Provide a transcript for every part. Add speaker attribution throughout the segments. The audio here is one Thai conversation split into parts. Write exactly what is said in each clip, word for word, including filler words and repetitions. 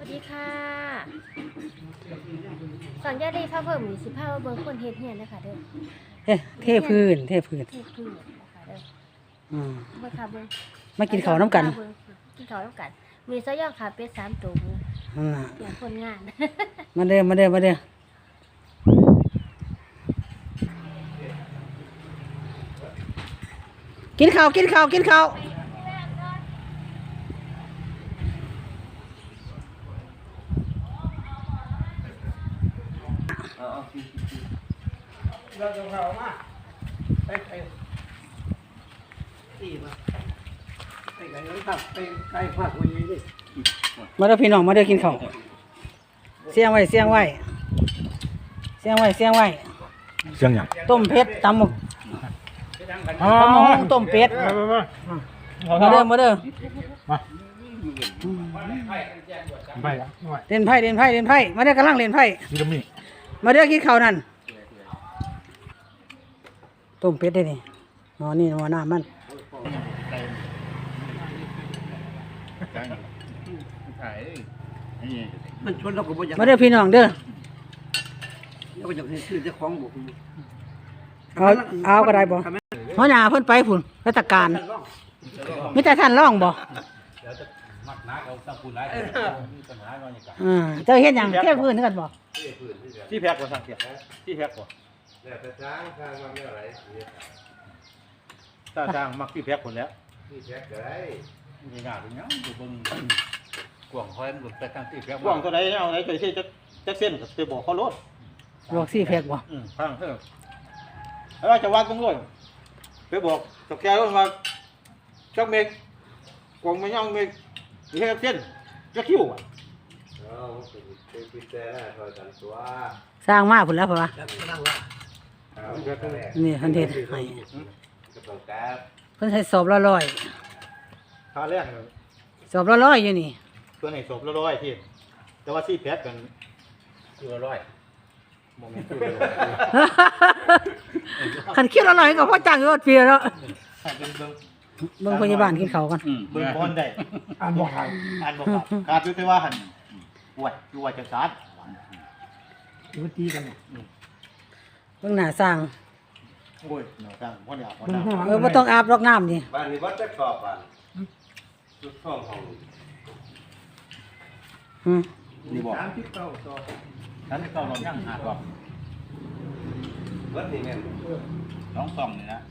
Speaker 1: วัสดีค่ะสั่งยาดีผ้าเพิ่มมีสิผ้าเบิ่งคนเฮ็ดเฮียนนะคะเด้อ
Speaker 2: เฮ้เทพื้นเทพื้น
Speaker 1: เทพื้นนะคะเด้อ
Speaker 2: อืม
Speaker 1: เบิ่งค่ะเบิ่ง
Speaker 2: มากินข้าวน้ำกัน
Speaker 1: กินข้าวน้ำกันมีซะย่างขาเป็ดสามตัว
Speaker 2: อืม
Speaker 1: อย่างคนงาน
Speaker 2: มาเด้อมาเด้อมาเด้อกินข้าวกินข้าวกินข้าว
Speaker 3: เราจะเข้ามาไปไปตีมาไปไก่เลยครับไปไก่ผักวันนี้ดิ
Speaker 2: มาเด้อพี่น้องมาเด้อกินข้าวเสียงไว้เสียงไว้เสียงไว้เสียงไว้
Speaker 4: เสียงหยัง
Speaker 2: ต้มเป็ดตำหมกตำหมกต้มเป็ดมาเด้อมาเด้อ
Speaker 4: มาไปละ
Speaker 2: เล่นไพ่เล่นไพ่เล่นไพ่มาเด้อกำลังเล่นไพ่
Speaker 4: นี่ก็มี
Speaker 2: มาเด้อกินข้าวนั่นต้มเป็ดได้นี่หม้อนี่หม้อน้ำมัน
Speaker 3: มันชนเราก็บ่อยาก
Speaker 2: มาเด้อพี่น้องเด้อ
Speaker 3: เราก็อยากให้ซื้อเจ้าของบุก
Speaker 2: เอาเอาก็ได้บ่หัวหน้าเพิ่นไปพุ่นราชการมีแต่ท่านร้องบ่อ่าเจ้าเฮ็ดหยังเทพื้นคือกันบ่
Speaker 4: ที่แพ็กบ่สั่งเสียที่แพ็กบ่
Speaker 5: แล้วแต่ช้างช้างมันไม่อะไร
Speaker 4: ถ้าจ้างมักที่แพ็กคนแล้ว
Speaker 5: ที่แพ็กก็ได้
Speaker 4: มีงานเป็นยังอยู่บนกว่างคอยมันไปทางที่แพ็ก
Speaker 3: กว้างเท่าใดเอาไหนก็สิจักจักเส้นก็สิบอกเขาโลด
Speaker 2: ลวกซี่แพ็กบ่
Speaker 4: อืมฟังเถอะ
Speaker 3: แล้วจะวัดตรงนู้นไปบอกตกแกว่าจักเมกกวางไม่ย่องเมกนี่แค่เส้นจักคิ้วอ่ะ
Speaker 5: เออเป็นพิเศษคอยกันตัว
Speaker 2: สร้างมาพุ่นแล้วเพราะว่านี่เพิ่นเฮ็ดให้
Speaker 5: ก็ต้องการ
Speaker 2: เพิ่นให้สอบละร้อย
Speaker 3: ค่าแรง
Speaker 2: สอบละร้อยอยู่นี่
Speaker 3: ตัวไหนศพละร้อยพี่แต่ว่าซี่แพทกัน
Speaker 4: คือละร้อย
Speaker 3: โมเมนต์คือละร้อย
Speaker 2: คันคิดละร้อยก็พอจ้างอยู่ปีแล้ว
Speaker 3: เป็นเบิ่ง
Speaker 2: เบิ่งพยาบาลกินข้าวกัน
Speaker 3: เบิ่งบอลได้อ่านบ่ครับอ่านบ่ครับขาดอยู่แต่ว่าหั่นป่วยอยู่ว่าจังซั่นอยู่ตีกันเนี่ย
Speaker 2: เบิ่งหน้าสร้าง
Speaker 3: โอ้ยหนาวจังบ่ได้อาบบ่ได้
Speaker 2: เออบ่ต้องอาบรอกน้ำนี่
Speaker 5: บ้านนี้วัดจะกรอบบ้านชุดห้องห้อง
Speaker 2: อืม
Speaker 3: นี่บอกฉันเก่าเราย่างหาก่อน
Speaker 5: วัดนี่แม่น
Speaker 3: น้องส่องนี่นะ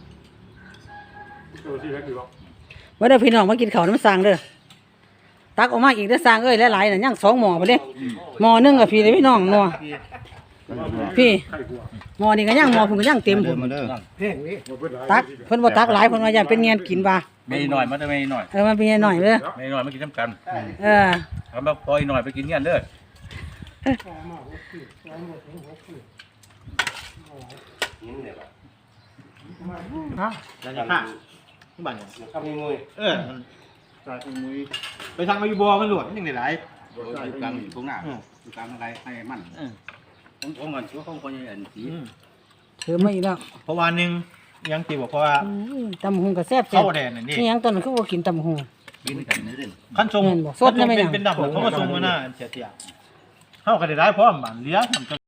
Speaker 2: ว่าเด้อพี่น้องมากินข้าวน้ำสร้างเด้อตักออกมาอีกเด้อสร้างเอ้ยหลายๆน่ะยังสองหม้อไปเด้หม้อนึงก็พี่เด้อพี่น้องหม้อพี่หม้อนี่ก็ยังหม้อพุ่นก็ยังเต็มพุ่นตักเพิ่นบ่ตักหลายเพิ่นว่าอย่าเป็นเงียนกินว่า
Speaker 4: ไม่หน่อยมาได้ไม่หน่อย
Speaker 2: เออมันเป็นหน่อยเด้อ
Speaker 4: ไม่หน่อยมากินน้ำกัน
Speaker 2: เออ
Speaker 4: ทำมาพอยหน่อยไปกินเงี้ยเด้อ
Speaker 5: หินเนี่ยป่ะ
Speaker 3: ฮะแล้วนี่ค่ะที่บ้านเนี่ย
Speaker 5: ข้าวมีมวย
Speaker 3: เออใส่มือไปทางมาอยู่บ่มันหลวดยังได้หลาย
Speaker 4: อยู่กลางอยู่ตรงหน้าอยู่กลางอะไรให้มันผมผมมันช่วยเขาคนยังเห็นสี
Speaker 2: ถือมาอีกแล้ว
Speaker 3: เพราะว่านึงยังติบอกเพราะว่า
Speaker 2: ตำบักหุ่งก็แซ่บๆ
Speaker 3: เข้าแดนนี่
Speaker 2: นี่ยังตอนนั้นคือบ่กินตำบักหุ่ง
Speaker 4: กินกันนี่เด่น
Speaker 3: ขั้นทรง
Speaker 2: แม่นบ่สดนะแม่นหยัง
Speaker 3: เป็นดำเขามาทรงมาหน้าเสียเตียเข้ากันได้หลายพร้อมบ้านเลี้ยงทำ